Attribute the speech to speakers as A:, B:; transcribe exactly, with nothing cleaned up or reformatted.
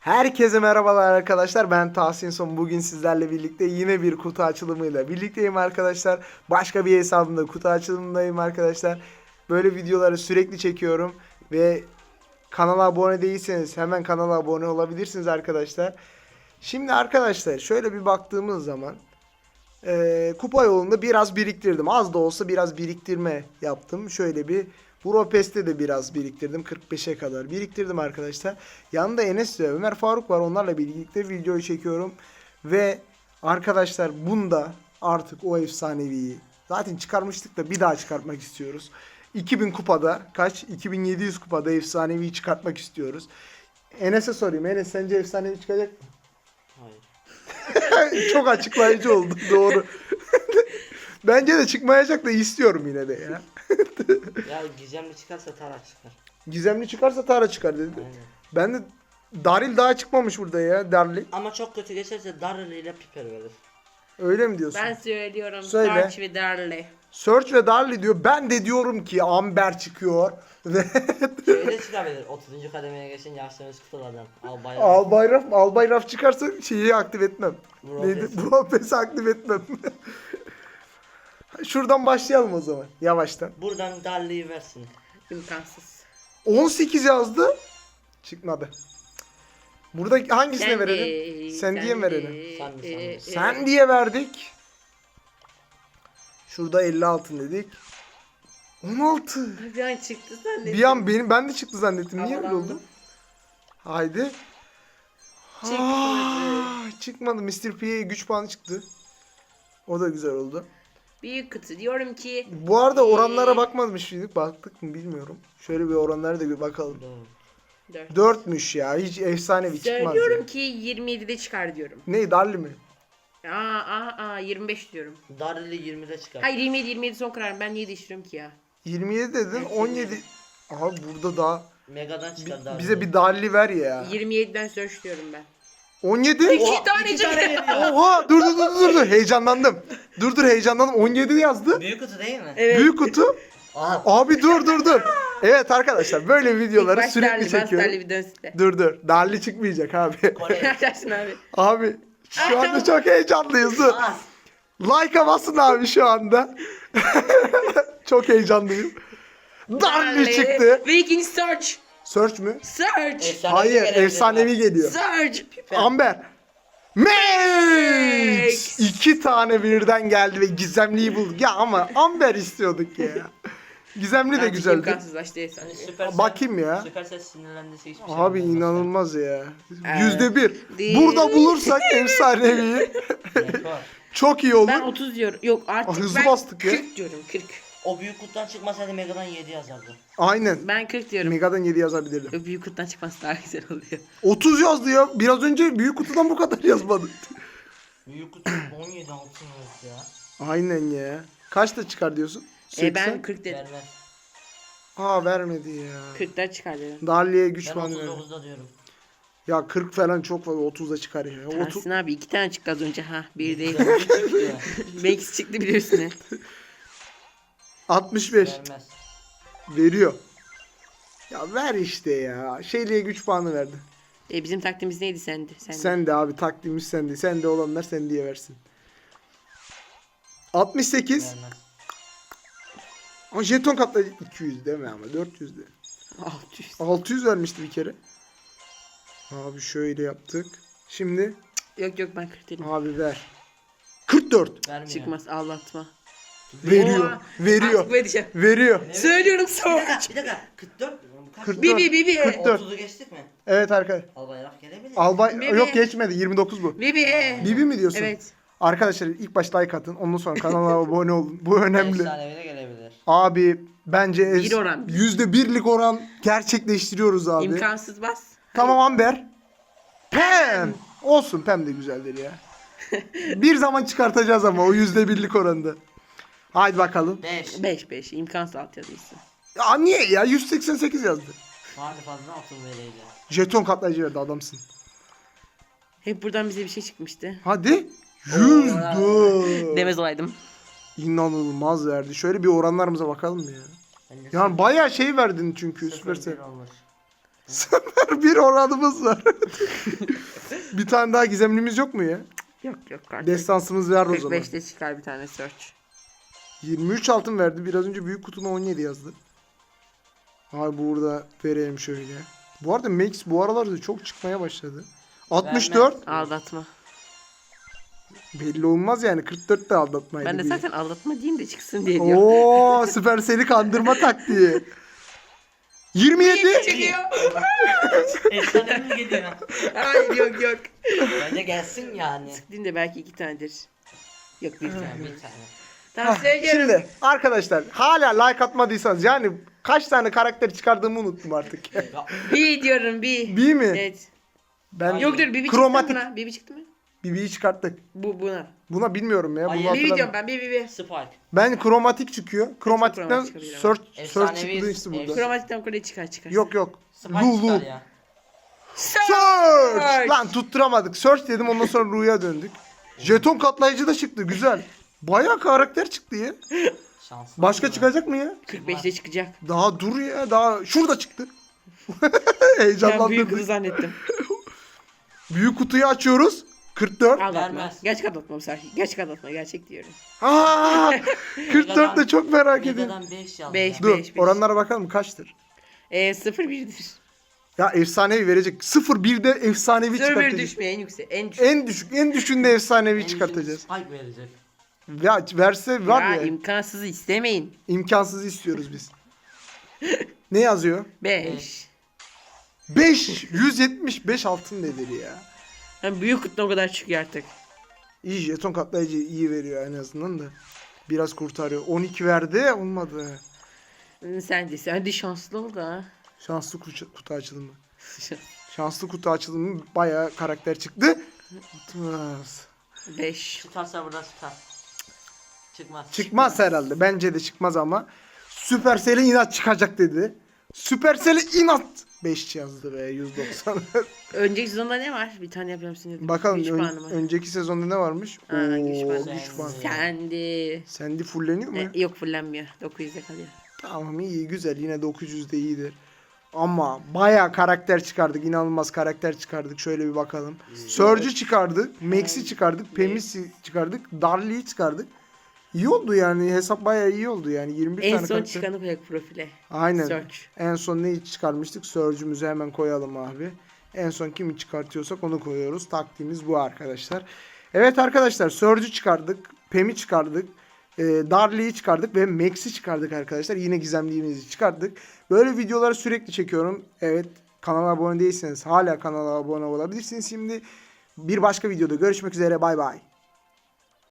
A: Herkese merhabalar arkadaşlar. Ben Tahsin Son. Bugün sizlerle birlikte yine bir kutu açılımıyla birlikteyim arkadaşlar. Başka bir hesabımda kutu açılımındayım arkadaşlar. Böyle videoları sürekli çekiyorum ve kanala abone değilseniz hemen kanala abone olabilirsiniz arkadaşlar. Şimdi arkadaşlar şöyle bir baktığımız zaman e, kupa yolunda biraz biriktirdim. Az da olsa biraz biriktirme yaptım. Şöyle bir Budapest'te de biraz biriktirdim. kırk beşe kadar biriktirdim arkadaşlar. Yanında Enes ve Ömer Faruk var. Onlarla birlikte videoyu çekiyorum. Ve arkadaşlar bunda artık o efsaneviyi zaten çıkarmıştık da bir daha çıkartmak istiyoruz. iki bin kupada kaç? iki bin yedi yüz kupada efsaneviyi çıkartmak istiyoruz. Enes'e sorayım. Enes sence efsanevi çıkacak mı?
B: Hayır.
A: Çok açıklayıcı oldu. Doğru. Bence de çıkmayacak da istiyorum yine de ya.
B: Ya gizemli çıkarsa Tara çıkar.
A: Gizemli çıkarsa Tara çıkar dedi.
B: Aynen.
A: Ben de Daril daha çıkmamış burada ya. Daril.
B: Ama çok kötü geçerse Darrell ile Piper verir.
A: Öyle mi diyorsun?
C: Ben söylüyorum.
A: Söyle.
C: Search ve Darley.
A: Search ve Daril diyor. Ben de diyorum ki Amber çıkıyor. Ve
B: Şöyle çıkabilir. otuzuncu kademeye geçince yaşlarınız kutulardan. Al bayrağı.
A: Albayraf, Albayraf çıkarsa şeyi aktif etmem.
B: Brawl
A: Neydi?
B: Pass'i.
A: Brawl Pass'i aktif etmem. Şuradan başlayalım o zaman. Yavaştan.
B: Buradan Darley'i versin.
C: İmkansız.
A: on sekiz yazdı. Çıkmadı. Burada hangisine
C: Sen
A: verelim?
C: de,
A: Sen diye mi
C: de,
A: verelim?
B: Sen de,
C: e,
B: sen de.
C: e,
A: Sen diye verdik. Şurada elli altı dedik. on altı.
C: Bir an çıktı zannettim.
A: Bir an benim ben de çıktı zannettim. Niye öyle
C: Havalandım.
A: oldu? Haydi.
C: Çıkmadı.
A: Aa, çıkmadı. mister P'ye güç puanı çıktı. O da güzel oldu.
C: Büyük kutu. Diyorum ki
A: Bu arada oranlara bakmamış mıydık? Baktık mı bilmiyorum. Şöyle bir oranlara da bir bakalım.
B: Doğru.
C: dört.
A: dörtmüş ya. Hiç efsanevi çıkmaz.
C: Söylüyorum
A: Ya.
C: ki yirmi yedide çıkar diyorum.
A: Ne? Darli mi?
C: Aa aa aa yirmi beş diyorum.
B: Darrell'i yirmide çıkar.
C: Hayır yirmi yedi yirmi yedi son kararım. Ben niye değiştiriyorum ki ya?
A: yirmi yedi dedin. on yedi. Aha burada daha
B: Mega'dan çıkar
A: bi-
B: Darrell'i.
A: bize bir Darli ver ya.
C: yirmi yediden search diyorum ben.
A: on yedi.
C: İki
B: Oha,
C: tane
B: iki
C: çıktı.
B: tane veriyor.
A: Oha dur dur dur dur dur heyecanlandım. Dur dur heyecanlandım. on yedi yazdı.
B: Büyük kutu değil mi?
C: Evet.
A: Büyük kutu.
B: Aha.
A: Abi dur dur dur. Evet arkadaşlar böyle videoları
C: İlk baş
A: sürekli
C: Darley, bas
A: çekiyorum.
C: Darley bir dönsün de.
A: Dur dur. Darli çıkmayacak abi.
B: Kore.
C: Yaşarsın abi.
A: Abi şu anda çok heyecanlıyız. Dur.
B: Aa,
A: Like'a basın abi şu anda. Çok heyecanlıyım. Darli çıktı.
C: Ve ikinci search.
A: Search mü?
C: Search.
B: efsanevi
A: Hayır
B: gelebilir
A: efsanevi
B: bak.
A: geliyor.
C: Search.
A: Amber. Max!
C: Max!
A: İki tane birden geldi ve gizemliyi bulduk. Ya ama Amber istiyorduk ya. Gizemli de
C: Artık
A: güzeldi.
C: imkansızlaştı
B: Hani
C: efsane.
B: Süpersel,
A: Bakayım ya.
B: Süpersel sinirlendiyse hiçbir şey
A: Abi
B: yapamaz.
A: inanılmaz ya.
C: Evet.
A: Yüzde bir.
C: Değil.
A: Burada bulursak efsanevi
B: Rekor.
A: çok iyi olur.
C: Ben otuz diyorum. Yok artık
A: Aa, hızlı
C: ben
A: bastık ya.
C: kırk diyorum kırk.
B: O büyük kutudan çıkmasaydı Mega'dan yedi yazardı.
A: Aynen.
C: Ben kırk diyorum.
A: Mega'dan yedi yazabilirdim.
C: Yok, büyük kutudan çıkması daha güzel oluyor.
A: otuz yazdı ya. Biraz önce büyük kutudan bu kadar yazmadı.
B: Büyük kutu on yedi altın yazdı ya.
A: Aynen ya. Kaçta çıkar diyorsun?
C: E ben
A: seksen.
C: kırk dedim.
B: Vermez.
A: Aa vermedi ya.
C: kırktan çıkar dedim.
A: Darli'ye güç
B: Ben
A: puanı
B: otuz
A: verdi.
B: dokuzda diyorum.
A: Ya kırk falan çok fazla otuzda çıkar ya. otuz.
C: Tahsin abi iki tane çıktı az önce ha. Bir değil.
B: Dördüncü çıktı ya.
C: Max çıktı biliyorsun ya.
A: altmış beş
B: Vermez.
A: veriyor. Ya ver işte ya. Şeyliğe güç puanı verdi.
C: E bizim taktiğimiz neydi sende? Sende.
A: Sen de abi taktiğimiz sende. Sende olanlar sen diye versin. altmış sekiz.
B: Vermez.
A: Ama jeton katla iki yüz deme ama dört yüz de.
C: altı yüz.
A: altı yüz vermişti bir kere. Abi şöyle yaptık. Şimdi
C: Yok yok ben kırk dedim.
A: abi ver. kırk dört.
B: Vermiyor.
C: Çıkmaz ağlatma.
A: Veriyor.
C: Oha,
A: Veriyor.
C: artık vereceğim.
A: Veriyor.
C: Söylüyorum
B: Bir
C: sonra.
B: dakika, bir dakika. kırk dört. Bu kaç?
A: kırk dört.
C: Bibi bibi.
A: kırk dört.
B: otuzu geçtik mi?
A: Evet arkadaşlar.
B: Al bayrak gelebilir.
A: Albay
C: Bibi.
A: yok geçmedi. yirmi dokuz bu.
C: Bibi.
A: Bibi mi diyorsun?
C: Evet.
A: Arkadaşlar ilk başta like atın. Ondan sonra kanala abone olun. Bu önemli.
B: Efsanevi de gelebilir.
A: Abi bence
C: Bir oran.
A: yüzde birlik oran gerçekleştiriyoruz abi.
C: İmkansız bas.
A: Tamam Amber. Pem. Olsun Pem de güzeldir ya. Bir zaman çıkartacağız ama o yüzde birlik oranda. Haydi bakalım.
B: beş.
C: beş beş imkansız alt yazıysa.
A: Ya niye ya? yüz seksen sekiz yazdı.
B: Vardı fazla altın vereydi.
A: Jeton katlayıcı verdi adamsın.
C: Hep buradan bize bir şey çıkmıştı.
A: Hadi. Yüzde.
C: Demez olaydım.
A: İnanılmaz verdi. Şöyle bir oranlarımıza bakalım mı ya?
B: Ben de
A: Yani bayağı şey verdin çünkü
B: sıfır
A: Süpersel.
B: bir olmuş.
A: Sıfır bir oranımız var. Bir tane daha gizemlimiz yok mu ya?
C: Yok yok artık.
A: Destansımız ver o
C: kırk
A: zaman.
C: beşte çıkar bir tane search.
A: yirmi üç altın verdi. Biraz önce büyük kutuna on yedi yazdı. Abi burada vereyim şöyle. Bu arada Max bu aralarda çok çıkmaya başladı. altmış dört.
C: Aldatma.
A: Belli olmaz yani. kırk dört de aldatmaydı.
C: Ben de
A: bir.
C: zaten aldatma diyeyim de çıksın diye diyorum.
A: Oo, Supercell'i kandırma taktiği. yirmi yedi.
B: Efsane mi geliyor?
C: Hayır yok yok.
B: Bence gelsin yani.
C: Din de belki iki tanedir. Yok bir tane.
B: Yani bir tane.
C: Tamam
A: Hah,
C: söylüyorum.
A: Şimdi arkadaşlar hala like atmadıysanız yani kaç tane karakter çıkardığımı unuttum artık.
B: Ya,
C: Bir diyorum bir.
A: B mi?
C: Evet.
A: Ben
C: Yok dur Bibi
A: Kromatik.
C: çıktı mı buna? Bibi çıktı mı?
A: B'yi çıkarttık.
C: Bu buna.
A: Buna bilmiyorum ya. Bunu
B: Hayır.
C: Bibi
A: hatırlamıyorum.
C: diyorum ben Bibi Bibi.
B: Spike.
A: Ben kromatik çıkıyor. Kromatikten
C: kromatik çıkabilir ama.
A: search, search
B: Efsanevi-
A: çıktı işte burada.
B: efs-
C: Kromatikten kolye çıkar çıkar.
A: Yok yok.
B: Spike
A: Lu
B: çıkar
A: Lu.
B: ya.
A: Search! Lan tutturamadık. Search dedim ondan sonra Lu'ya döndük. Jeton katlayıcı da çıktı güzel. Bayağı karakter çıktı ya.
B: Şanslı.
A: Başka
B: mı?
A: çıkacak mı ya?
C: kırk beşte çıkacak.
A: Daha dur ya daha şurada çıktı.
C: Ben büyük
A: Heyecanlandırdık.
C: kızı zannettim.
A: Büyük kutuyu açıyoruz. kırk dört.
C: Aldatma.
B: Vermez.
C: Gerçek aldatma bu sefer. Gerçek aldatma gerçek diyorum.
A: Aa! kırk dört de çok merak ediyorum.
B: Megadan beş yazdı.
C: Beş.
A: Dur
C: beş.
A: oranlara bakalım kaçtır?
C: Eee sıfır birdir.
A: Ya efsanevi verecek. sıfır birde efsanevi
C: sıfır bir
A: çıkartacağız.
C: düşmeye en yüksek. En düşük.
A: En düşük en düşünde efsanevi
B: En
A: çıkartacağız.
B: düşük Spike verecek.
A: Ya verse var
C: ya,
A: ya,
C: imkansızı istemeyin.
A: imkansız istiyoruz biz. Ne yazıyor?
C: beş.
A: beş yüz yetmiş beş altın nedir ya?
C: Yani büyük kutu o kadar çıkıyor artık.
A: İyi jeton katlayıcı iyi veriyor en azından da. Biraz kurtarıyor. on iki verdi olmadı.
C: Hı, Sen de sen de şanslı ol da.
A: Şanslı kutu, kutu açılımı. Şanslı kutu açılımı bayağı karakter çıktı. Tutmaz.
C: beş.
B: Çıkarsa burada çıkar. Çıkmaz.
A: Çıkmaz herhalde. Bence de çıkmaz ama. Supercell'e inat çıkacak dedi. Supercell'e inat. beş yazdı be yüz doksan.
C: Önceki sezonda ne var? Bir tane yapıyorum seni.
A: Bakalım
C: Güç
A: ön-
C: puanı mı?
A: önceki sezonda ne varmış?
C: Ha, güç
A: Oo,
C: puanı.
A: güç puanı.
C: Sendi.
A: Sandy fulleniyor mu?
C: E, yok fullenmiyor. dokuz yüzde kalıyor.
A: Tamam iyi güzel yine dokuz yüz de iyidir. Ama bayağı karakter çıkardık. İnanılmaz karakter çıkardık. Şöyle bir bakalım. Surge'ü çıkardık. Max'i çıkardık. Pemis'i çıkardık. Darley'i çıkardık. İyi oldu yani. Hesap bayağı iyi oldu yani. yirmi bir
C: En
A: tane
C: son
A: karakter.
C: çıkanı koyak profile.
A: Aynen.
C: Search.
A: En son neyi çıkarmıştık? Surge'ümüzü hemen koyalım abi. En son kimi çıkartıyorsak onu koyuyoruz. Taktiğimiz bu arkadaşlar. Evet arkadaşlar Surge'ü çıkardık. Pem'i çıkardık. E, Darley'i çıkardık ve Max'i çıkardık arkadaşlar. Yine gizemliğimizi çıkardık. Böyle videoları sürekli çekiyorum. Evet kanala abone değilseniz hala kanala abone olabilirsiniz. Şimdi bir başka videoda görüşmek üzere. Bay bay.